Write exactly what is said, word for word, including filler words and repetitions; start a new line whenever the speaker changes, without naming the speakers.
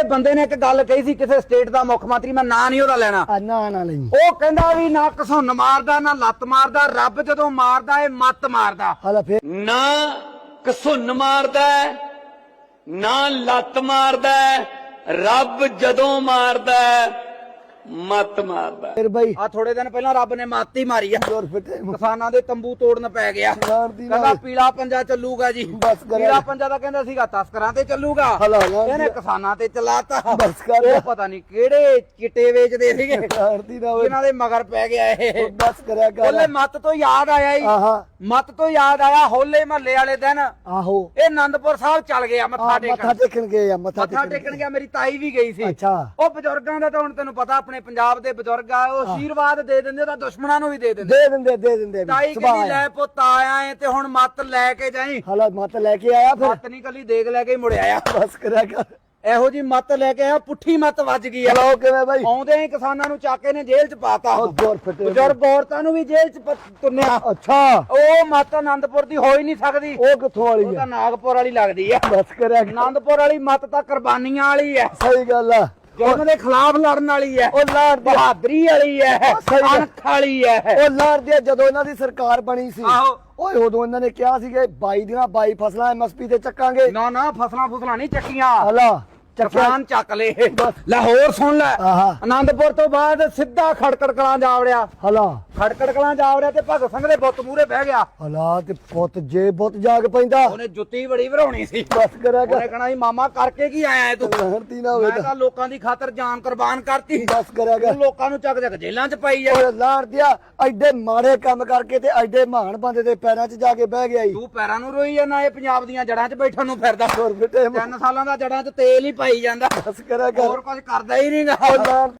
ਬੰਦੇ ਨੇ ਇੱਕ ਗੱਲ ਕਹੀ ਸੀ ਕਿਸੇ ਸਟੇਟ ਦਾ ਮੁੱਖ ਮੰਤਰੀ, ਮੈਂ ਨਾਂ ਨਹੀਂ ਉਹਦਾ ਲੈਣਾ,
ਨਾ ਨਾ ਨਹੀਂ,
ਉਹ ਕਹਿੰਦਾ ਵੀ ਨਾ ਘਸੁੰਨ ਮਾਰਦਾ ਨਾ ਲੱਤ ਮਾਰਦਾ, ਰੱਬ ਜਦੋਂ ਮਾਰਦਾ ਏ ਮੱਤ ਮਾਰਦਾ।
ਹਾਲਾ ਫੇਰ
ਨਾ ਘਸੁੰਨ ਮਾਰਦਾ ਨਾ ਲੱਤ ਮਾਰਦਾ, ਰੱਬ ਜਦੋਂ ਮਾਰਦਾ ਮੱਤ ਮਾਰਦਾ।
ਫਿਰ ਬਾਈ
ਆ ਥੋੜੇ ਦਿਨ ਪਹਿਲਾਂ ਰੱਬ ਨੇ ਮੱਤ ਹੀ ਮਾਰੀ ਆ,
ਜ਼ੋਰ ਫਿੱਟੇ
ਕਿਸਾਨਾਂ ਦੇ ਤੰਬੂ ਤੋੜਨ ਪੈ ਗਿਆ।
ਲਾਣਦੀ
ਕਹਿੰਦਾ ਪੀਲਾ ਪੰਜਾ ਚੱਲੂਗਾ ਜੀ,
ਬਸ ਕਰ।
ਪੀਲਾ ਪੰਜਾ ਦਾ ਕਹਿੰਦਾ ਸੀਗਾ ਤਸਕਰਾਂ ਤੇ ਚੱਲੂਗਾ,
ਹਲਾ ਹਲਾ
ਇਹਨੇ ਕਿਸਾਨਾਂ ਤੇ ਚਲਾਤਾ।
ਬਸ ਕਰ।
ਉਹ ਪਤਾ ਨਹੀਂ ਕਿਹੜੇ ਚਿੱਟੇ ਵੇਚਦੇ ਸੀਗੇ
ਲਾਣਦੀ ਨਾ ਹੋਵੇ,
ਇਹਨਾਂ ਦੇ ਮਗਰ ਪੈ ਗਿਆ ਇਹ।
ਬਸ ਕਰਿਆ ਕਰ।
ਹੋਲੇ ਮੱਤ ਤੋਂ ਯਾਦ ਆਇਆ ਹੀ,
ਆਹਾ
ਮੱਤ ਤੋਂ ਯਾਦ ਆਇਆ ਹੋਲੇ ਮਹੱਲੇ ਵਾਲੇ ਦਿਨ
ਆਹੋ
ਇਹ ਆਨੰਦਪੁਰ ਸਾਹਿਬ ਚੱਲ ਗਿਆ ਮੱਥਾ
ਮੱਥਾ
ਟੇਕਣ।
ਟੇਕਣ ਗਏ ਆ, ਮੱਥਾ
ਮੱਥਾ ਟੇਕਣ ਗਿਆ, ਮੇਰੀ ਤਾਈ ਵੀ ਗਈ ਸੀ।
ਅੱਛਾ
ਉਹ ਬਜ਼ੁਰਗਾਂ ਦਾ ਤਾਂ ਹੁਣ ਤੈਨੂੰ ਪਤਾ ਆਪਣੇ ਪੰਜਾਬ ਦੇ ਬਜ਼ੁਰਗ ਆ, ਉਹ ਆਸ਼ੀਰਵਾਦ ਦੇ ਦਿੰਦੇ ਤਾਂ ਦੁਸ਼ਮਣਾਂ ਨੂੰ ਵੀ ਦੇ ਦਿੰਦੇ।
ਦੇ ਦਿੰਦੇ ਦੇ ਦਿੰਦੇ ਵੀ,
ਤਾਈ
ਸੁਭਾਅ
ਕਹਿੰਦੀ
ਆ।
ਲੈ ਪੁੱਤ ਆਇਆ ਏ ਤੇ ਹੁਣ ਮੱਤ ਲੈ ਕੇ ਜਾਈ।
ਹਾਲਾ ਮੱਤ ਲੈ ਕੇ ਆਇਆ ਫਿਰ,
ਮੱਤ ਨਹੀਂ ਕੱਲੀ ਦੇਖ ਲੈ ਕੇ ਮੁੜ ਆਇਆ,
ਬਸ ਕਰਿਆ ਕਰ।
ਇਹੋ ਜੀ ਮੱਤ ਲੈ ਕੇ ਆਇਆ, ਪੁੱਠੀ ਮੱਤ ਵੱਜ ਗਈ ਆ।
ਹਲੋ ਕਿਵੇਂ ਬਾਈ?
ਆਉਂਦੇ ਹੀ ਕਿਸਾਨਾਂ ਨੂੰ ਚੱਕ ਕੇ ਨੇ ਜੇਲ੍ਹ ਚ ਪਾਤਾ,
ਉਹ ਜ਼ੋਰ ਫਿੱਟੇ
ਬਜ਼ੁਰਗ ਔਰਤਾਂ ਨੂੰ ਵੀ ਜੇਲ੍ਹ ਚ ਪ- ਤੁੰਨਿਆ।
ਅੱਛਾ
ਉਹ ਮੱਤ ਆਨੰਦਪੁਰ ਦੀ ਹੋ ਹੀ ਨਹੀਂ ਸਕਦੀ,
ਉਹ ਕਿੱਥੋਂ ਵਾਲੀ
ਉਹ
ਆ?
ਤਾਂ ਨਾਗਪੁਰ ਵਾਲੀ ਲੱਗਦੀ ਆ।
ਬਸ ਕਰਿਆ ਕਰ।
ਆਨੰਦਪੁਰ ਵਾਲੀ ਮੱਤ ਤਾਂ ਕੁਰਬਾਨੀਆਂ ਵਾਲੀ ਹੈ,
ਸਹੀ ਗੱਲ ਆ।
ਜ਼ੁਲਮ ਦੇ ਖਿਲਾਫ ਲੜਨ ਵਾਲੀ ਹੈ,
ਉਹ ਲਾੜ ਦੀ
ਬਹਾਦਰੀ ਵਾਲੀ ਹੈ,
ਸਹੀ ਗੱਲ।
ਅਣਖ ਵਾਲੀ ਹੈ।
ਉਹ ਲਾੜ ਦੀ ਜਦੋਂ ਇਹਨਾਂ ਦੀ ਸਰਕਾਰ ਬਣੀ ਸੀ,
ਆਹੋ
ਓਏ ਉਦੋਂ ਇਹਨਾਂ ਨੇ ਕਿਹਾ ਸੀ ਕਿ ਬਾਈ ਦੀਆਂ ਬਾਈ ਫਸਲਾਂ ਐਮਐਸਪੀ ਤੇ ਚੱਕਾਂਗੇ।
ਨਾ ਨਾ ਫਸਲਾਂ ਫੁਸਲਾਂ ਨਹੀਂ ਚੱਕੀਆਂ,
ਹਲਾ ਚੱਕਿਆ
ਕਿਸਾਨ ਚੱਕ ਲਏ। ਲਾਹੌਰ ਸੁਣ ਲੈ,
ਆਹਾ
ਆਨੰਦਪੁਰ ਤੋਂ ਬਾਅਦ ਸਿੱਧਾ ਖੜਕੜ ਕਲਾਂ ਜਾ ਵੜਿਆ,
ਹਲਾ
ਖੜਕੜ ਕਲਾਂ ਜਾ ਵੜਿਆ ਤੇ ਭਗਤ ਸਿੰਘ ਦੇ ਬੁੱਤ ਮੂਹਰੇ ਬਹਿ ਗਿਆ।
ਹਲਾ ਤੇ ਪੁੱਤ ਜੇ ਬੁੱਤ ਜਾਗ ਪੈਂਦਾ,
ਉਹਨੇ ਜੁੱਤੀ ਬੜੀ ਭਰਾਉਣੀ ਸੀ,
ਬਸ ਕਰਿਆ
ਉਹਨੇ
ਕਰ।
ਕਹਣਾ ਸੀ ਮਾਮਾ ਕਰਕੇ ਕੀ ਆਇਆ ਏ ਤੂੰ?
ਲਾੜਦੀ ਨਾ ਹੋਵੇ
ਮੈਂ ਤਾਂ ਲੋਕਾਂ ਦੀ ਖਾਤਰ ਜਾਨ ਕੁਰਬਾਨ ਕਰਤੀ,
ਬਸ ਕਰਿਆ ਕਰ।
ਤੂੰ ਲੋਕਾਂ ਨੂੰ ਚੱਕ ਚੱਕ ਜੇਲ੍ਹਾਂ ਚ ਪਾਈ ਜਾ।
ਓਏ ਲਾੜਦਿਆ ਐਡੇ ਮਾੜੇ ਕੰਮ ਕਰਕੇ ਤੇ ਐਡੇ ਮਹਾਨ ਬੰਦੇ ਦੇ ਪੈਰਾਂ 'ਚ ਜਾ ਕੇ ਬਹਿ ਗਿਆ ਈ।
ਤੂੰ ਪੈਰਾਂ ਨੂੰ ਰੋਈ ਜਾਂਦਾ, ਇਹ ਪੰਜਾਬ ਦੀਆਂ ਜੜ੍ਹਾਂ 'ਚ ਬੈਠਣ ਨੂੰ ਫਿਰਦਾ।
ਜ਼ੋਰ ਫਿੱਟੇ
ਤਿੰਨ ਸਾਲਾਂ ਦਾ ਜੜ੍ਹਾਂ 'ਚ ਤੇਲ ਹੀ ਪਾਈ ਜਾਂਦਾ,
ਬਸ ਕਰਿਆ ਕਰ।
ਹੋਰ ਕੁਝ ਕਰਦਾ ਹੀ ਨਹੀਂਗਾ।
ਉਹ ਲਾੜ